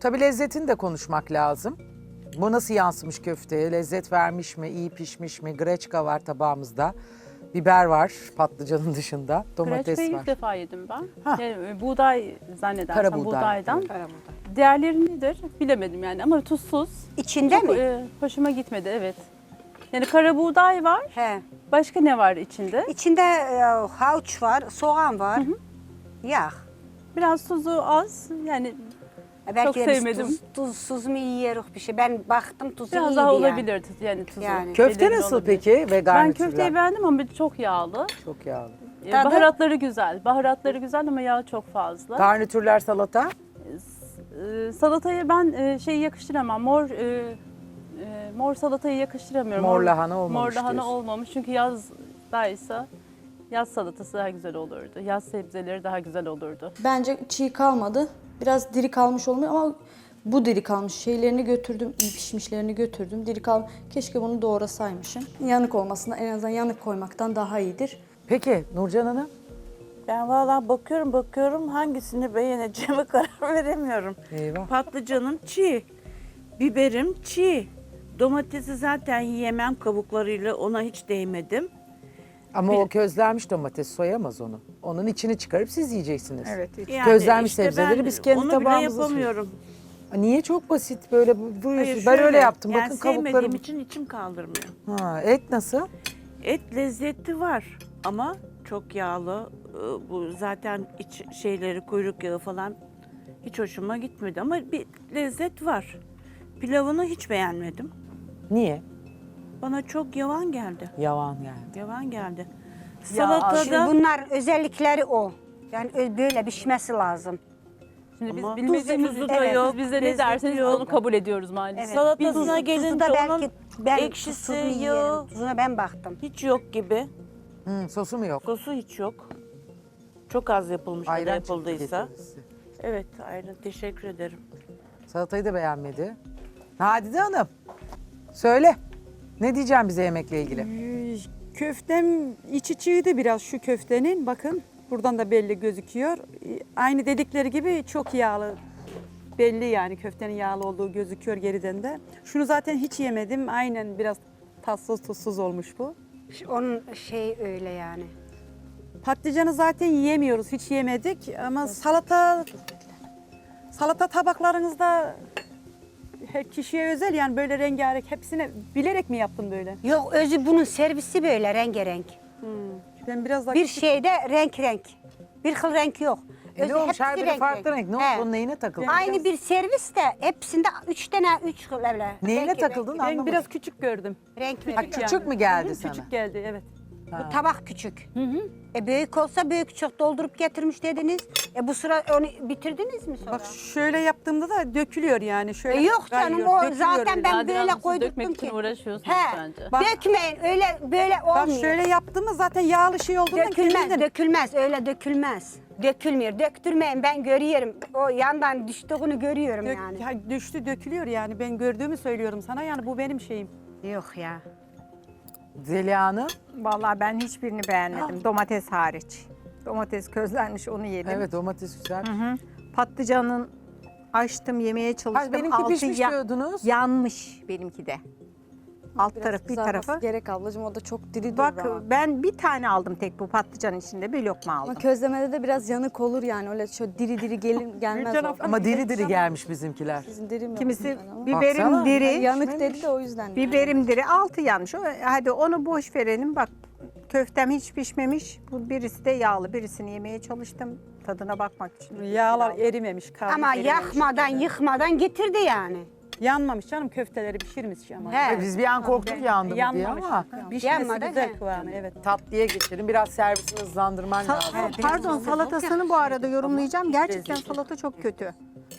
Tabii lezzetini de konuşmak lazım. Bu nasıl yansımış köfteye? Lezzet vermiş mi? İyi pişmiş mi? Greçka var tabağımızda. Biber var patlıcanın dışında. Domates Kreçbeyi var. ilk defa yedim ben. Ha. Yani, buğday zannedersem Kara buğday, buğdaydan. evet. Diğerleri nedir bilemedim yani ama tuzsuz. İçinde Çok, mi? hoşuma gitmedi evet. Yani kara buğday var. He. Başka ne var içinde? İçinde havuç var, soğan var, yağ. Biraz tuzu az. Yani Belki de biz sevmedim. tuzsuz mu yiyoruz bir şey. Ben baktım tuzu biraz iyiydi daha yani. olabilir yani tuzu. Yani. Köfte belirgin nasıl olabilir. peki? Ve Ben garnitürler? köfteyi beğendim ama çok yağlı. Çok yağlı. Tadı? Baharatları güzel. Baharatları güzel ama yağı çok fazla. Garnitürler salata. Salatayı ben şeyi yakıştıramam. Mor salatayı yakıştıramıyorum. Mor lahana olmamış Mor lahana diyorsun. olmamış. Çünkü yazdaysa yaz salatası daha güzel olurdu. Yaz sebzeleri daha güzel olurdu. Bence çiğ kalmadı. Biraz diri kalmış olmuyor ama bu diri kalmış. Şeylerini götürdüm, iyi pişmişlerini götürdüm. Diri kal. Keşke bunu doğrasaymışım. Yanık olmasına en azından yanık koymaktan daha iyidir. Peki Nurcan Hanım? Ben vallahi bakıyorum hangisini beğeneceğime karar veremiyorum. Eyvah. Patlıcanım çiğ, biberim çiğ. Domatesi zaten yiyemem kabuklarıyla, ona hiç değmedim. Ama o közlenmiş domates soyamaz onu. Onun içini çıkarıp siz yiyeceksiniz. Evet. Yani Közlenmiş işte sebzeleri ben biz kendi onu bile tabağımızda yapamıyorum. Niye çok basit böyle vuruyorsunuz? Hayır, Ben öyle şöyle, yaptım. yani Bakın sevmediğim kabuklarım. için içim kaldırmıyor. Ha, et nasıl? Et lezzeti var ama çok yağlı. Bu zaten iç şeyleri, kuyruk yağı falan hiç hoşuma gitmedi ama bir lezzet var. Pilavını hiç beğenmedim. Niye? Bana çok yavan geldi. Yavan yani. Yavan geldi. Şimdi Salatada bunlar özellikleri o. Yani böyle pişmesi lazım. Şimdi biz Ama bilmediğimiz tuzu için da yok, siz bize ne lezzeti derseniz yok. onu kabul ediyoruz maalesef. salatasına Tuzu gelince da onun belki ben ekşisi, tuzsuz yiyelim. yağı Tuzuna ben baktım. hiç yok gibi. Sosu mu yok? Sosu hiç yok. Çok az yapılmış ya da Ayran çıktı yapıldıysa. getirisi. Evet, ayran. Teşekkür ederim. Salatayı da beğenmedi. Nadide Hanım, söyle. Ne diyeceğim bize yemekle ilgili? Köftem içi çiğdi biraz şu köftenin. Bakın buradan da belli gözüküyor. Aynı dedikleri gibi çok yağlı. Belli yani köftenin yağlı olduğu gözüküyor geriden de. Şunu zaten hiç yemedim. Aynen biraz tatsız tuzsuz olmuş bu. Onun şey öyle yani. Patlıcanı zaten yiyemiyoruz. Hiç yemedik ama salata tabaklarınızda her kişiye özel yani böyle rengarenk hepsine bilerek mi yaptın böyle? Yok özü bunun servisi böyle rengarenk. Ben biraz daha Bir şeyde renk. Bir kıl renk yok. Ne olmuş? hepsi Her biri farklı renk. Ne oldu? He. Bunun neyine takıldın? Aynı bir servis de hepsinde üç kıl öyle. Neyine renk- takıldın renk- ben anlamadım. biraz küçük gördüm. Renk Ha, renk. küçük mü geldi sana? Küçük geldi evet. Bu tabak küçük. Büyük olsa büyük çok doldurup getirmiş dediniz. Bu sıra onu bitirdiniz mi sonra? Bak şöyle yaptığımda da dökülüyor yani. Şöyle Yok canım kayıyor, o dökülüyor zaten öyle. ben Nadide böyle Hanım, siz koydurttum dökmek için ki. uğraşıyorsunuz He. bence. Bak- Dökmeyin öyle böyle olmuyor. Bak şöyle yaptığımda zaten yağlı şey olduğundan Dökülmez, kendinden- dökülmez. Öyle dökülmez. Dökülmüyor. Döktürmeyin. Ben görüyorum. O yandan düştüğünü görüyorum yani. Ya düştü dökülüyor yani ben gördüğümü söylüyorum sana yani bu benim şeyim. Yok ya. Zeliha Hanım. Vallahi ben hiçbirini beğenmedim. Domates hariç. Domates közlenmiş onu yedim. Evet domates güzel. Patlıcanın açtım yemeye çalıştım. Ha, benimki Altı pişmiş diyordunuz. yanmış benimki de. Alt taraf bir Kızarması tarafı. gerek ablacığım o da çok diri Bak durur ama. ben bir tane aldım tek bu patlıcanın içinde bir lokma aldım. Ama közlemede de biraz yanık olur yani öyle şöyle diri diri gelmez o. Ama diri diri gelmiş bizimkiler. Sizin diri mi? Kimisi Yani ama. biberim Baksana. diri. Yanık dedi de o yüzden. yani. Biberim diri altı yanmış. Hadi onu boş verelim bak. Köftem hiç pişmemiş. Bu birisi de yağlı. Birisini yemeye çalıştım tadına bakmak için. Yağlar erimemiş kalmış. Ama erimemiş. yakmadan, yıkmadan getirdi yani. Yanmamış canım köfteleri pişirmiş ama. He. Biz bir an korktuk yandı mı diye Yanmamış. ama Pişmesi Yanmadı, güzel he. kıvamı evet. tatlıya geçelim. Biraz servisini hızlandırman lazım. Pardon salatasını bu arada yorumlayacağım. Gerçekten salata çok kötü.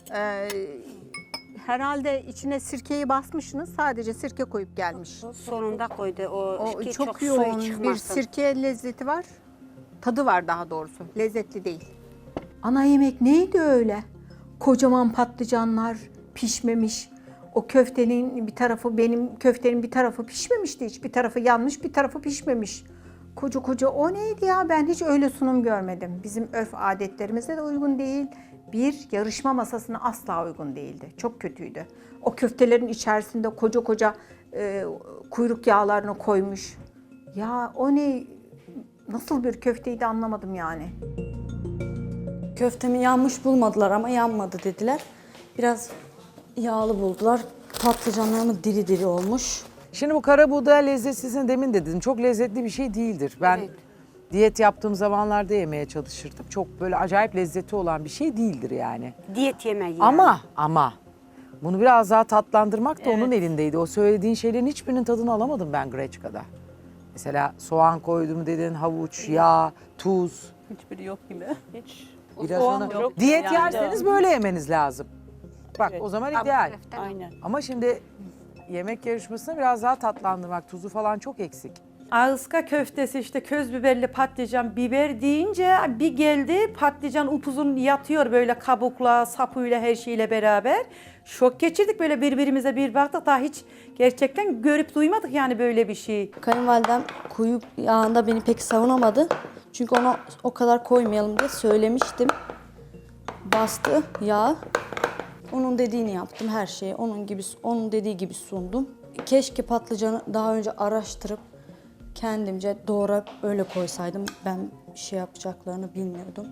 Herhalde içine sirkeyi basmışsınız. Sadece sirke koyup gelmiş. Sonunda koydu o, O ki çok suyu yoğun bir çıkmasın. sirke lezzeti var. Tadı var daha doğrusu. Lezzetli değil. Ana yemek neydi öyle? Kocaman patlıcanlar pişmemiş. O köftenin bir tarafı benim köftenin bir tarafı pişmemişti hiç. Bir tarafı yanmış, bir tarafı pişmemiş. Koca koca o neydi ya? Ben hiç öyle sunum görmedim. Bizim örf adetlerimize de uygun değil. bir yarışma masasına asla uygun değildi. Çok kötüydü. O köftelerin içerisinde koca koca kuyruk yağlarını koymuş. Ya o ne, nasıl bir köfteydi anlamadım yani. Köftemi yanmış bulmadılar ama yanmadı dediler. Biraz yağlı buldular. Patlıcanlarım diri diri olmuş. Şimdi bu kara buğday lezzetsizini demin de dedim. Çok lezzetli bir şey değildir. Ben diyet yaptığım zamanlarda yemeye çalışırdım. Çok böyle acayip lezzeti olan bir şey değildir yani. Diyet yemeği yani. Ama bunu biraz daha tatlandırmak da onun elindeydi. O söylediğin şeylerin hiçbirinin tadını alamadım ben Greçka'da. Mesela soğan koydum dedin, havuç, yağ, tuz. Hiçbiri yok gibi. Hiç Biraz soğan ona... yok. Diyet Yani. yerseniz böyle yemeniz lazım. Bak Evet. o zaman ideal. Aynen. Ama şimdi yemek yarışmasını biraz daha tatlandırmak, tuzu falan çok eksik. Ağızka köftesi işte köz biberli patlıcan biber deyince bir geldi patlıcan upuzun yatıyor böyle kabukla sapıyla her şeyle beraber. Şok geçirdik böyle birbirimize bir baktık daha hiç gerçekten görüp duymadık yani böyle bir şey. Kayınvalidem kuyruk yağında beni pek savunamadı. Çünkü ona o kadar koymayalım diye söylemiştim. Bastı yağ. Onun dediğini yaptım her şeyi. Onun dediği gibi sundum. Keşke patlıcanı daha önce araştırıp kendimce doğrayıp öyle koysaydım. Ben bir şey yapacaklarını bilmiyordum.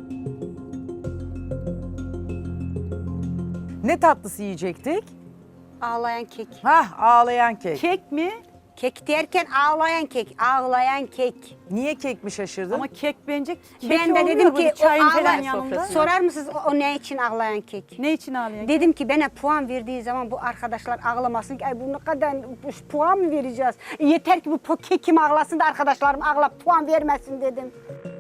Ne tatlısı yiyecektik? Ağlayan kek. Hah, ağlayan kek. Kek mi? Kek derken ağlayan kek. Ağlayan kek. Niye kek mi şaşırdın? Ama kek bence kek Ben de oluyor dedim böyle ki o çayın falan ağlayan yanında. Sorar mısınız o ne için ağlayan kek? Ne için ağlayan? Dedim ki bana puan verdiği zaman bu arkadaşlar ağlamasın ki ay bu ne kadar puan mı vereceğiz? Yeter ki bu kekim ağlasın da arkadaşlarım ağlayıp puan vermesin dedim.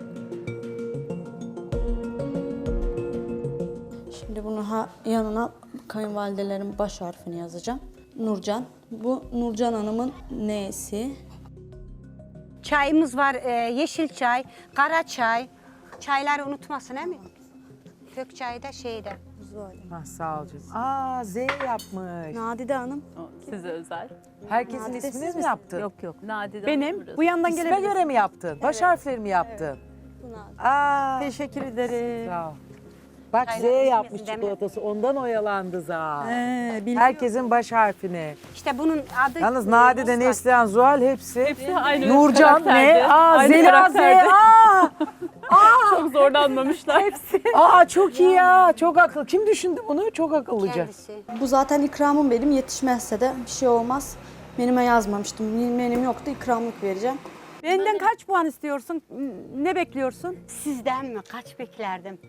Şimdi bunun yanına kayınvalidelerin baş harfini yazacağım. Nurcan. Bu Nurcan Hanım'ın nesi? Çayımız var yeşil çay, kara çay. Çayları unutmasın değil mi? Kök çayı da şeyde. Hah, sağ ol canım. Aa, Z yapmış. Nadide Hanım. O size özel. Herkesin ismini mi yaptın? Yok. Nadide Benim burası. bu yandan İsme gelebilir. göre mi yaptın? Baş harfleri mi yaptın? Aa, Teşekkür ederim. sağ ol. Bak Z Çaylar yapmış isminiz değil mi? çikolatası. Ondan oyalandı za. Biliyorum. Herkesin baş harfini. İşte bunun adı... Yalnız Nadide, Neslihan, Zuhal hepsi. Hepsi aynı Nurcan karakterde. ne? Aa, Aynı Zeliha Z. karakterde. Aa, Çok zorlanmamışlar. aa çok iyi ya. Çok akıllı. Kim düşündü bunu? Çok akıllıca. Kendisi. Bu zaten ikramım benim. Yetişmezse de bir şey olmaz. Menüme yazmamıştım. Menüm yoktu. İkramlık vereceğim. Benden kaç puan istiyorsun? Ne bekliyorsun? Sizden mi? Kaç beklerdim?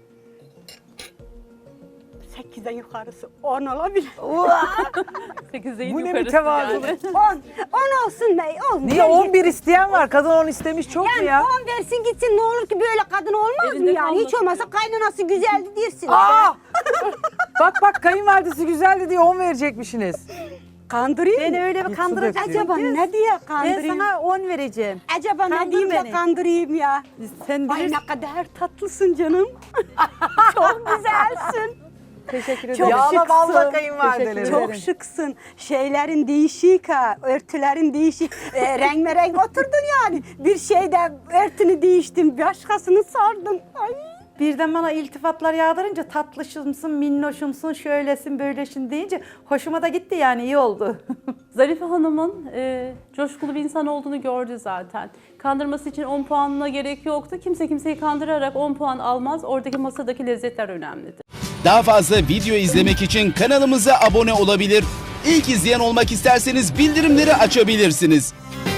8'den yukarısı 10 olabilir. 8'in Bu ne yukarısı mütevazılık. yani. 10 olsun be. 10. Niye 11 isteyen var? Kadın 10 istemiş çok mu Yani ya? 10 versin gitsin ne olur ki böyle kadın olmaz Elinde mı yani? Hiç kalmasın olmazsa kaynanası güzeldi dersin. Aa! bak kayınvalidesi güzeldi diye 10 verecekmişsiniz. Kandırayım Beni mı? öyle bir kandıracaksın. Acaba ne diye Ben kandırayım? sana 10 vereceğim. Acaba ne Kandır diyeyim de beni. kandırayım ya? Sen Ay bilirsin. ne kadar tatlısın canım. Çok güzelsin. Teşekkür Çok ederim. Yağla balla şıksın. kayınvalideleri. Çok şıksın. Şeylerin değişik ha. Örtülerin değişik. Renk oturdun yani. Bir şeyde örtünü değiştin. Başkasını sardın. Ay. Birden bana iltifatlar yağdırınca tatlışımsın, minnoşumsun, şöylesin, böylesin deyince hoşuma da gitti yani iyi oldu. Zarife Hanım'ın coşkulu bir insan olduğunu gördü zaten. Kandırması için 10 puanına gerek yoktu. Kimse kimseyi kandırarak 10 puan almaz. Oradaki masadaki lezzetler önemlidir. Daha fazla video izlemek için kanalımıza abone olabilir. İlk izleyen olmak isterseniz bildirimleri açabilirsiniz.